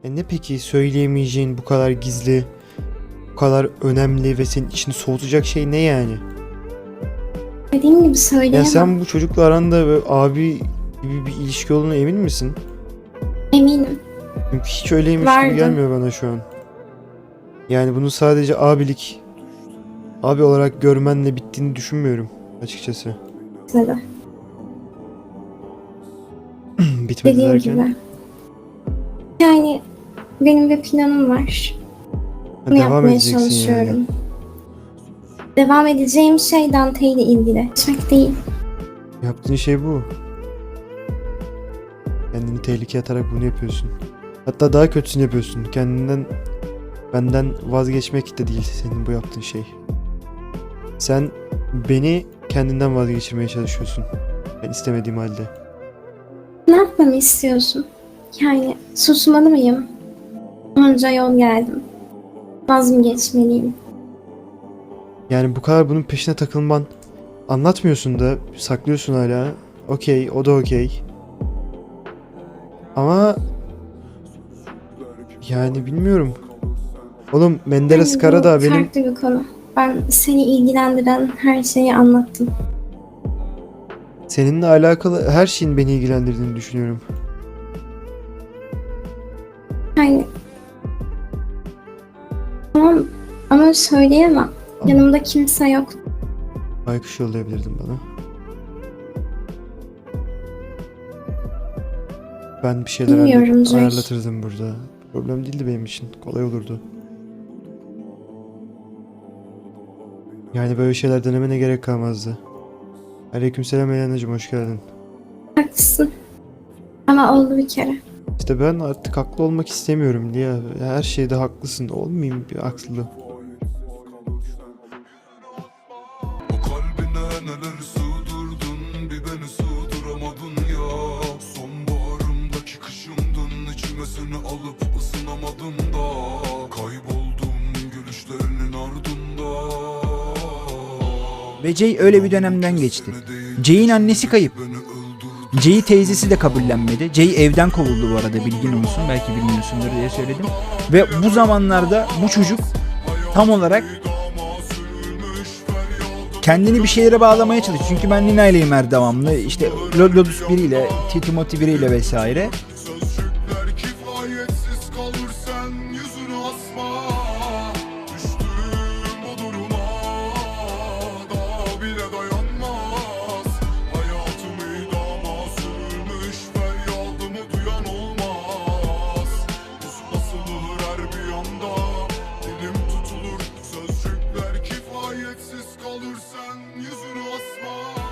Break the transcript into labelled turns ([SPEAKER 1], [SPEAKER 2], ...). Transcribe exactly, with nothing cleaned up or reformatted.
[SPEAKER 1] E ne peki söyleyemeyeceğin bu kadar gizli, bu kadar önemli ve senin içini soğutacak şey ne yani?
[SPEAKER 2] Dediğim gibi
[SPEAKER 1] Ya
[SPEAKER 2] söyleyemem.
[SPEAKER 1] sen bu çocukla aranda böyle abi gibi bir ilişki olduğuna emin misin?
[SPEAKER 2] Eminim.
[SPEAKER 1] Çünkü hiç öyleymiş
[SPEAKER 2] Vardı.
[SPEAKER 1] gibi gelmiyor bana şu an. Yani bunu sadece abilik, abi olarak görmenle bittiğini düşünmüyorum açıkçası.
[SPEAKER 2] Mesela.
[SPEAKER 1] Bitmedi
[SPEAKER 2] Dediğim
[SPEAKER 1] derken.
[SPEAKER 2] gibi. Yani benim bir planım var.
[SPEAKER 1] Ha,
[SPEAKER 2] Bunu
[SPEAKER 1] devam
[SPEAKER 2] yapmaya
[SPEAKER 1] edeceksin
[SPEAKER 2] çalışıyorum.
[SPEAKER 1] yani.
[SPEAKER 2] Devam edeceğim şey Dante ile ilgili. Geçmek değil.
[SPEAKER 1] Yaptığın şey bu. Kendini tehlikeye atarak bunu yapıyorsun. Hatta daha kötüsünü yapıyorsun. Kendinden, benden vazgeçmek de değil senin bu yaptığın şey. Sen beni kendinden vazgeçirmeye çalışıyorsun. Ben istemediğim halde.
[SPEAKER 2] Ne yapmamı istiyorsun? Yani susmalı mıyım? Onca yol geldim. Vaz mı geçmeliyim?
[SPEAKER 1] Yani bu kadar bunun peşine takılman, anlatmıyorsun da saklıyorsun hala. Okey, o da okey. Ama yani bilmiyorum. Oğlum Menderes
[SPEAKER 2] Yani bu
[SPEAKER 1] Karadağ benim
[SPEAKER 2] farklı bir konu. Ben seni ilgilendiren her şeyi anlattım.
[SPEAKER 1] seninle alakalı her şeyin beni ilgilendirdiğini düşünüyorum.
[SPEAKER 2] Yani tamam ama söyleyemem. Yanımda kimse yok.
[SPEAKER 1] Baykuş yollayabilirdin bana. Ben bir şeyler
[SPEAKER 2] Bilmiyorum
[SPEAKER 1] halledip
[SPEAKER 2] Jack.
[SPEAKER 1] ayarlatırdım burada. Problem değildi benim için. Kolay olurdu. Yani böyle şeyler denemene gerek kalmazdı. Aleykümselam Elena'cığım, hoş geldin.
[SPEAKER 2] Haklısın. Ama oldu bir kere.
[SPEAKER 1] İşte ben artık haklı olmak istemiyorum Lia. Her şeyde haklısın. Olmayayım bir haklı.
[SPEAKER 3] O kalbine neler sığdırdın, bir beni sığdıramadın ya. Sonbaharımdaki kışımdın, içime seni alıp ısınamadım da. Kayboldum gülüşlerinin ardında.
[SPEAKER 4] Ve Jay öyle bir dönemden geçti. Jay'in annesi kayıp. Jay'i teyzesi de kabullenmedi. Jay evden kovuldu bu arada, bilgin olsun. Belki bilmiyorsundur diye söyledim. Ve bu zamanlarda bu çocuk tam olarak kendini bir şeylere bağlamaya çalışıyor. Çünkü ben Nina ileyim her devamlı. İşte Lodus biriyle, Timothy biriyle vesaire.
[SPEAKER 3] Sözcükler kifayetsiz kalır, sen yüzünü asma. Düştüm bu duruma, daha bile dayanmaz. Hayatımı idama sürmüş, feryadımı duyan olmaz. Buz basılır her bir anda, dilim tutulur. Sözcükler kifayetsiz kalır, sen yüzünü asma.